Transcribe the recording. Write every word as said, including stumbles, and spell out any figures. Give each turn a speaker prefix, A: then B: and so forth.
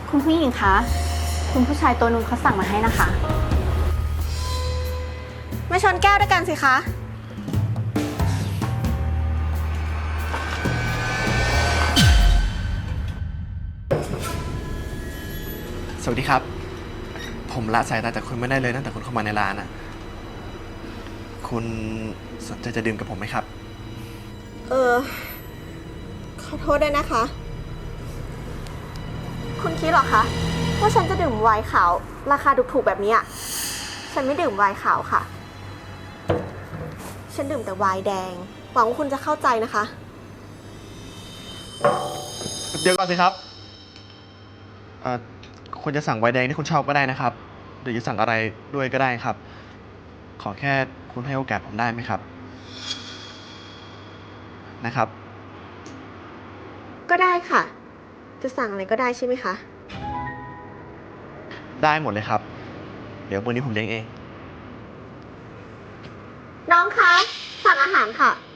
A: คุณผู้หญิงคะ คุณผู้ชายตัวนู้นเขาสั่งมาให้นะคะ
B: ไม่ชนแก้วด้วยกันสิคะ
C: สวัสดีครับ ผมละสายตาจากคุณไม่ได้เลยตั้งแต่คุณเข้ามาในร้านอะคุณสนใจจะดื่มกับผมไหมครับ
B: เออ ขอโทษด้วยนะคะ คุณคิดเหรอคะว่าฉันจะดื่มไวน์ขาวราคาถูกๆแบบนี้อะฉันไม่ดื่มไวน์ขาวค่ะ ฉันดื่มแต่ไวน์แดง หวังว่าคุณจะเข้าใจนะคะ
C: เดี๋ยวก่อนสิครับเอ่อคุณจะสั่งไวน์แดงที่คุณชอบก็ได้นะครับ หรือจะสั่งอะไรด้วยก็ได้ครับ ขอแค่คุณให้โอกาสผมได้ไหมครับ นะครับ
B: ก็ได้ค่ะ จะสั่งอะไรก็ได้ใช่ไหมคะ
C: ได้หมดเลยครับ เดี๋ยววันนี้ผมเลี้ยงเอง
B: น้องคะ สั่งอาหารค่ะ